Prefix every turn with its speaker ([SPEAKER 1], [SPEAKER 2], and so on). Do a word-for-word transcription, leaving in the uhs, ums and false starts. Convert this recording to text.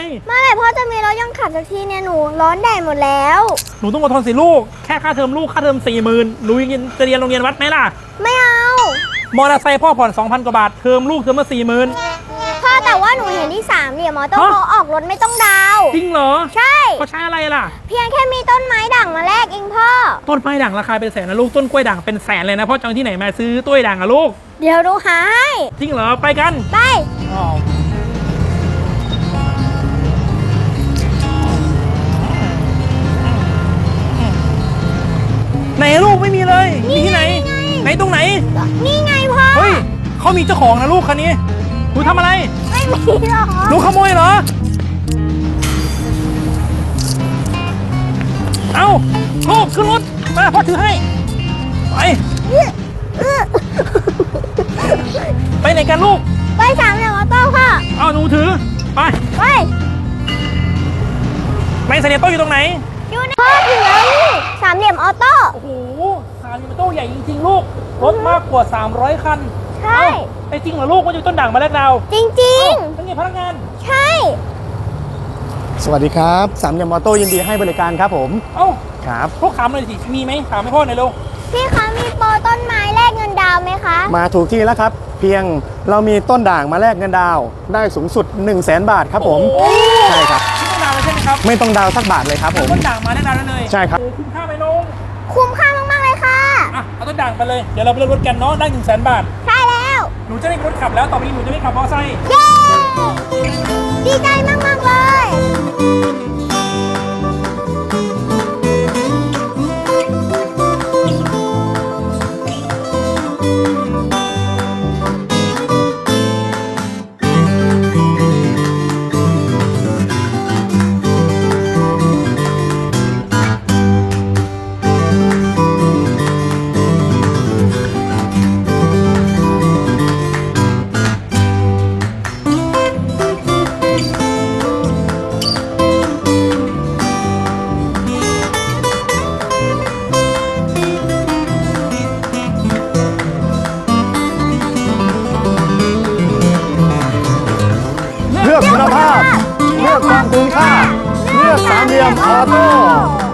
[SPEAKER 1] เมื่อไหร่พ่อจะมีรถยังขับสักทีเนี่ยหนูร้อนแดดหมดแล้ว
[SPEAKER 2] หนูต้องอดทนสิลูกแค่ค่าเทอมลูกค่าเทอมสี่หมื่นหนูยังจะเรียนโรงเรียนวัดไหมล่ะ
[SPEAKER 1] ไม่เอา
[SPEAKER 2] มอเตอร์ไซค์พ่อผ่อน สองพัน กว่าบาทเทอมลูกเทอมละสี่หมื่น
[SPEAKER 1] พ่อแต่ว่าหนูเห็นที่สามเหลี่ยมมอเตอร์เขาออกรถไม่ต้องดาว
[SPEAKER 2] จริงเหรอ
[SPEAKER 1] ใช่
[SPEAKER 2] เขาใช้อะไรล่ะ
[SPEAKER 1] เพียงแค่มีต้นไม้ด่างมาแลกเองพ่อ
[SPEAKER 2] ต้นไม้ด่างราคาเป็นแสนนะลูกต้นกล้วยด่างเป็นแสนเลยนะพ่อจะเอาที่ไหนมาซื้อต้นด่างอะลูก
[SPEAKER 1] เดี๋ยวดูหาให้
[SPEAKER 2] จริงเหรอไปกัน
[SPEAKER 1] ไป
[SPEAKER 2] ไหนลูกไม่มีเลยมีที่ไหนไหนตรงไหน
[SPEAKER 1] นี่ไงพ่อ
[SPEAKER 2] เฮ้ยเขามีเจ้าของนะลูกคันนี้หนูทำอะไร
[SPEAKER 1] ไม่มีหรอ
[SPEAKER 2] หนูขโมยเหรอเอาลูกขึ้นรถมาพ่อถือให้ไปไปไหนกันลูก
[SPEAKER 1] ไปสามเหลี่ยมออโต้พ่อ
[SPEAKER 2] เอาหนูถือไป
[SPEAKER 1] ไป
[SPEAKER 2] ไปสามเหลี่ยมโต้อยู่ตรงไหน
[SPEAKER 1] อยู่ในพ่อถือแล้วนี่สามเหลี่ยมออโต้
[SPEAKER 2] โอ้โหสามเหลี่ยมโต้ใหญ่จริงๆลูกรถมากกว่าสามร้อยคัน
[SPEAKER 1] ใช่
[SPEAKER 2] ไอ้จริงเหรอลูกว่าอยู่ต้นด่างมาแล้วเรา
[SPEAKER 1] จริง
[SPEAKER 2] ๆเป็นไงพนักงาน
[SPEAKER 1] ใช่
[SPEAKER 3] สวัสดีครับสามเหลี่ยมออโต้ยินดีให้บริการครับผม
[SPEAKER 2] เอ้า
[SPEAKER 3] ครับ
[SPEAKER 2] พวกถามหน่อยสิมีไหมถามให้พ่อหน่อยลูก
[SPEAKER 1] พี่คะมีโปรต้นไม้แลกเงินดาวไหมคะ
[SPEAKER 3] มาถูกที่แล้วครับเพียงเรามีต้นด่างมาแลกเงินดาวได้สูงสุด หนึ่งแสน บาทครับผมใช่ครับ
[SPEAKER 2] ไม่ต้องดาวเลยใช่ไหมครับ
[SPEAKER 3] ไม่ต้องดาวสักบาทเลยครับผม
[SPEAKER 2] ต้นด่างมาแลกดาวได้เลย
[SPEAKER 3] ใช่ครับ
[SPEAKER 2] คุ้มค่าไหมลง
[SPEAKER 1] คุ้มค่ามากๆเลยค่ะ
[SPEAKER 2] อ่ะเอาต้นด่างไปเลยเดี๋ยวเราไปเลือกรถกันเนาะได้หนึ่งแสนบาท
[SPEAKER 1] ใช่แล้ว
[SPEAKER 2] หนูจะได้รถขับแล้วต่อไปนี้หนูจะไม่ขับมอเตอร์ไซค์
[SPEAKER 1] เย้ดีใจมากๆเลย
[SPEAKER 3] เลือกคุณภาพเลือกความคุ้มค่าเลือกสามเหลี่ยมออโต้